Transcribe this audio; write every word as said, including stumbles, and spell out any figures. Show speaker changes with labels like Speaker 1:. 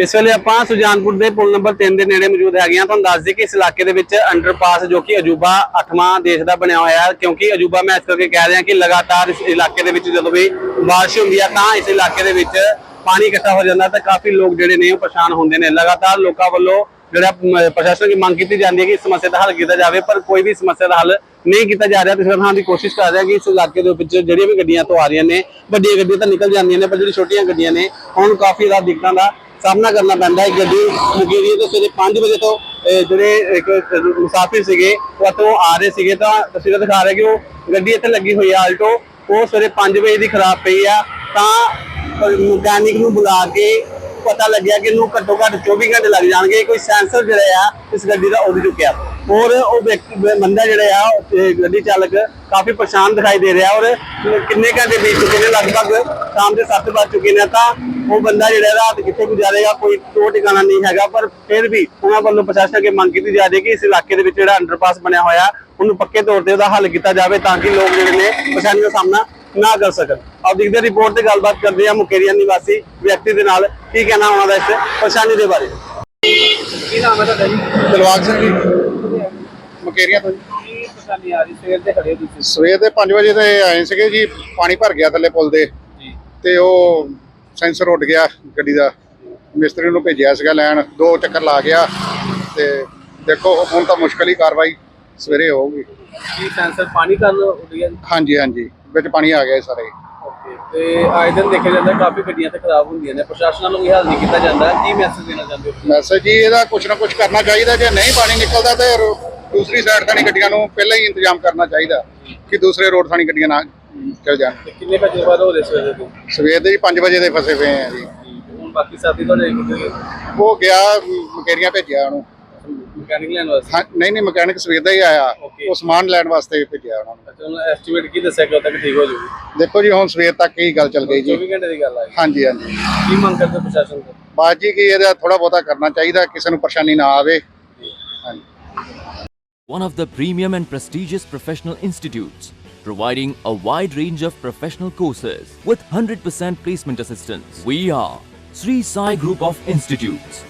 Speaker 1: ਇਸ ਵੇਲੇ ਆਪਾਂ ਸੁਜਾਨਪੁਰ ਦੇ ਪੁਲ ਨੰਬਰ ਤਿੰਨ ਦੇ ਨੇੜੇ ਮੌਜੂਦ ਹੈਗੇ ਆ। ਤੁਹਾਨੂੰ ਦੱਸ ਦਈਏ ਕਿ ਇਸ ਇਲਾਕੇ ਦੇ ਵਿੱਚ ਅੰਡਰਪਾਸ ਜੋ ਕਿ ਅਜੂਬਾ ਅੱਠਵਾਂ ਦੇਸ਼ ਦਾ ਬਣਿਆ ਹੋਇਆ ਹੈ, ਕਿਉਂਕਿ ਅਜੂਬਾ ਮੈਂ ਇਸ ਕਰਕੇ ਕਹਿ ਰਿਹਾ ਕਿ ਲਗਾਤਾਰ ਇਸ ਇਲਾਕੇ ਦੇ ਵਿੱਚ ਜਦੋਂ ਵੀ ਬਾਰਿਸ਼ ਹੁੰਦੀ ਹੈ ਤਾਂ ਇਸ ਇਲਾਕੇ ਦੇ ਵਿੱਚ ਪਾਣੀ ਇਕੱਠਾ ਹੋ ਜਾਂਦਾ ਤੇ ਕਾਫੀ ਲੋਕ ਜਿਹੜੇ ਨੇ ਉਹ ਪਰੇਸ਼ਾਨ ਹੁੰਦੇ ਨੇ। ਲਗਾਤਾਰ ਲੋਕਾਂ ਵੱਲੋਂ ਜਿਹੜਾ ਪ੍ਰਸ਼ਾਸਨ ਦੀ ਮੰਗ ਕੀਤੀ ਜਾਂਦੀ ਹੈ ਕਿ ਇਸ ਸਮੱਸਿਆ ਦਾ ਹੱਲ ਕੀਤਾ ਜਾਵੇ, ਪਰ ਕੋਈ ਵੀ ਸਮੱਸਿਆ ਦਾ ਹੱਲ ਨਹੀਂ ਕੀਤਾ ਜਾ ਰਿਹਾ। ਤੇ ਸਰਕਾਰ ਦੀ ਕੋਸ਼ਿਸ਼ ਕਰ ਰਿਹਾ ਕਿ ਇਸ ਇਲਾਕੇ ਦੇ ਵਿੱਚ ਜਿਹੜੀਆਂ ਵੀ ਗੱਡੀਆਂ ਤੋਂ ਆ ਰਹੀਆਂ ਨੇ, ਵੱਡੀਆਂ ਗੱਡੀਆਂ ਤਾਂ ਨਿਕਲ ਜਾਂਦੀਆਂ ਨੇ, ਪਰ ਜਿਹੜੀ ਛੋਟੀਆਂ ਗੱਡੀਆਂ ਨੇ ਹੁਣ ਕਾਫੀ ਜ਼ਿਆਦਾ ਦਿੱਕਤਾਂ ਦਾ ਸਾਹਮਣਾ ਕਰਨਾ ਪੈਂਦਾ ਹੈ। ਗੱਡੀ ਮੁਕੇਰੀਏ ਤੋਂ ਸਵੇਰੇ ਪੰਜ ਵਜੇ ਤੋਂ ਜਿਹੜੇ ਇੱਕ ਮੁਸਾਫਿਰ ਸੀਗੇ ਉਹ ਇੱਥੋਂ ਆ ਰਹੇ ਸੀਗੇ ਤਾਂ ਤਸਵੀਰਾਂ ਦਿਖਾ ਰਹੇ ਕਿ ਉਹ ਗੱਡੀ ਇੱਥੇ ਲੱਗੀ ਹੋਈ ਆ ਆਲਟੋ, ਉਹ ਸਵੇਰੇ ਪੰਜ ਵਜੇ ਦੀ ਖਰਾਬ ਪਈ ਆ ਤਾਂ ਮਕੈਨਿਕ ਨੂੰ ਬੁਲਾ ਕੇ ਪਤਾ ਲੱਗਿਆ ਕਿ ਇਹਨੂੰ ਘੱਟੋ ਘੱਟ ਚੌਵੀ ਘੰਟੇ ਲੱਗ ਜਾਣਗੇ। ਕੋਈ ਸੈਂਸਰ ਜਿਹੜਾ ਆ ਇਸ ਗੱਡੀ ਦਾ ਉੱਡ ਚੁੱਕਿਆ ਔਰ ਉਹ ਬੰਦਾ ਜਿਹੜਾ ਆ ਗੱਡੀ ਚਾਲਕ ਕਾਫੀ ਪਰੇਸ਼ਾਨ ਦਿਖਾਈ ਦੇ ਰਿਹਾ ਔਰ ਕਿੰਨੇ ਘੰਟੇ ਬੀਤ ਚੁੱਕੇ ਨੇ, ਲਗਭਗ ਸ਼ਾਮ ਦੇ ਸੱਤ ਵੱਜ ਚੁੱਕੇ ਨੇ ਤਾਂ ਉਹ ਬੰਦਾ ਜਿਹੜਾ ਰਾਤ ਕਿੱਥੇ ਗੁਜ਼ਾਰੇਗਾ ਕੋਈ ਟੋ ਟਿਕਾਣਾ ਨਹੀਂ ਹੈਗਾ। ਪਰ ਫਿਰ ਵੀ ਉਹਨਾਂ ਵੱਲੋਂ ਪ੍ਰਸ਼ਾਸਨ ਅੱਗੇ ਮੰਗ ਕੀਤੀ ਜਾ ਰਹੀ ਹੈ ਕਿ ਇਸ ਇਲਾਕੇ ਦੇ ਵਿੱਚ ਜਿਹੜਾ ਅੰਡਰਪਾਸ ਬਣਿਆ ਹੋਇਆ ਉਹਨੂੰ ਪੱਕੇ ਤੌਰ ਤੇ ਉਹਦਾ ਹੱਲ ਕੀਤਾ ਜਾਵੇ ਤਾਂ ਕਿ ਲੋਕ ਜਿਹੜੇ ਨੇ ਪਰੇਸ਼ਾਨੀ ਦਾ ਸਾਹਮਣਾ ਨਾ ਕਰ ਸਕਣ। ਆਪ ਦੇਖਦੇ ਰਿਪੋਰਟ ਤੇ ਗੱਲਬਾਤ ਕਰਦੇ ਆ ਮੁਕੇਰੀਆ ਨਿਵਾਸੀ ਵਿਅਕਤੀ ਦੇ ਨਾਲ, ਕੀ ਕਹਿਣਾ ਉਹਨਾਂ ਦਾ ਇਸ ਪਰੇਸ਼ਾਨੀ ਦੇ ਬਾਰੇ। ਕੀ ਨਾਮ ਹੈ ਤੁਹਾਡਾ ਜੀ?
Speaker 2: ਦਿਲਵਾਗ ਸਿੰਘ ਜੀ, ਮੁਕੇਰੀਆਂ ਤੋਂ ਜੀ।
Speaker 1: ਕੀ ਪਰੇਸ਼ਾਨੀ ਆ ਰਹੀ? ਸਵੇਰ ਦੇ ਖੜੇ ਤੁਸੀਂ?
Speaker 2: ਸਵੇਰ ਦੇ ਪੰਜ ਵਜੇ ਤੇ ਆਏ ਸੀਗੇ ਜੀ, ਪਾਣੀ ਭਰ ਗਿਆ ਥੱਲੇ ਪੁਲ ਦੇ
Speaker 1: ਜੀ
Speaker 2: ਤੇ ਉਹ ਸੈਂਸਰ ਉੱਡ ਗਿਆ ਗੱਡੀ ਦਾ। ਮਿਸਤਰੀ ਨੂੰ ਭੇਜਿਆ ਸੀਗਾ ਲੈਣ, ਦੋ ਚੱਕਰ ਲਾ ਗਿਆ ਤੇ ਦੇਖੋ ਹੁਣ ਤਾਂ ਮੁਸ਼ਕਲ ਹੀ ਕਾਰਵਾਈ ਸਵੇਰੇ ਹੋਊਗੀ।
Speaker 1: ਕੀ ਸੈਂਸਰ ਪਾਣੀ ਕਾਰਨ ਉੱਡ ਗਿਆ?
Speaker 2: ਹਾਂਜੀ ਹਾਂਜੀ, ਵਿੱਚ ਪਾਣੀ ਆ ਗਿਆ ਸਾਰੇ।
Speaker 1: ਓਕੇ, ਤੇ ਆਏ ਦਿਨ ਦੇਖਿਆ ਜਾਂਦਾ ਕਾਫੀ ਗੱਡੀਆਂ ਤੇ ਖਰਾਬ ਹੁੰਦੀਆਂ ਨੇ, ਪ੍ਰਸ਼ਾਸਨ ਵੱਲੋਂ ਇਹ ਹੱਲ ਨਹੀਂ ਕੀਤਾ ਜਾਂਦਾ, ਕੀ ਮੈਸੇਜ ਦੇਣਾ ਚਾਹੁੰਦੇ ਹੋ?
Speaker 2: ਮੈਸੇਜ ਜੀ ਇਹਦਾ ਕੁਛ ਨਾ ਕੁਛ ਕਰਨਾ ਚਾਹੀਦਾ। ਜੇ ਨਹੀਂ ਪਾਣੀ ਨਿਕਲਦਾ ਤੇ ਦੂਸਰੀ ਸਾਈਡ ਥਾਣੀ ਗੱਡੀਆਂ ਨੂੰ ਪਹਿਲਾਂ ਹੀ ਇੰਤਜ਼ਾਮ ਕਰਨਾ ਚਾਹੀਦਾ ਕਿ ਦੂਸਰੇ ਰੋਡ ਥਾਣੀ ਗੱਡੀਆਂ ਨਾ ਚਲ ਜਾਣ।
Speaker 1: ਕਿੰਨੇ ਵਜੇ ਬਾਅਦ ਹੋ ਰਹੇ ਸਵੇਰੇ ਤੋਂ?
Speaker 2: ਸਵੇਰ ਦੇ ਪੰਜ ਵਜੇ ਦੇ ਫਸੇ ਪਏ ਆ ਜੀ।
Speaker 1: ਹੁਣ ਬਾਕੀ ਸਾਥੀ ਤੁਹਾਡੇ
Speaker 2: ਉਹ ਗਿਆ ਮੁਕੇਰੀਆਂ ਭੇਜਿਆ ਉਹਨੂੰ
Speaker 1: ਮਕੈਨਿਕ ਲੈਣ ਵਾਸਤੇ?
Speaker 2: ਹਾਂ, ਨਹੀਂ ਨਹੀਂ ਮਕੈਨਿਕ ਸਵੇਰ ਦਾ ਹੀ ਆਇਆ,
Speaker 1: Okay.
Speaker 2: ਉਹ ਸਮਾਨ ਲੈਣ ਵਾਸਤੇ ਭੇਜਿਆ ਉਹਨਾਂ ਨੂੰ।
Speaker 1: ਅੱਛਾ, ਉਹਨਾਂ ਐਸਟੀਮੇਟ ਕੀ ਦੱਸਿਆ ਕਿ ਉਦੋਂ ਤੱਕ ਠੀਕ ਹੋ ਜਾਊਗੀ?
Speaker 2: ਦੇਖੋ ਜੀ ਹੁਣ ਸਵੇਰ ਤੱਕ ਹੀ ਗੱਲ ਚੱਲ ਗਈ ਜੀ।
Speaker 1: ਚੌਵੀ ਘੰਟੇ ਦੀ ਗੱਲ ਆ।
Speaker 2: ਹਾਂਜੀ ਹਾਂਜੀ,
Speaker 1: ਕੀ ਮੰਗ ਕਰਦੇ ਹੋ ਪ੍ਰਸ਼ਾਸਨ ਤੋਂ?
Speaker 2: ਬਾਤ ਜੀ ਕਿ ਇਹਦਾ ਥੋੜਾ ਬਹੁਤਾ ਕਰਨਾ ਚਾਹੀਦਾ, ਕਿਸੇ ਨੂੰ ਪਰੇਸ਼ਾਨੀ ਨਾ ਆਵੇ। ਹਾਂਜੀ।
Speaker 3: One of the premium and prestigious professional institutes, providing a wide range of professional courses with one hundred percent placement assistance. We are Sri Sai Group of Institutes.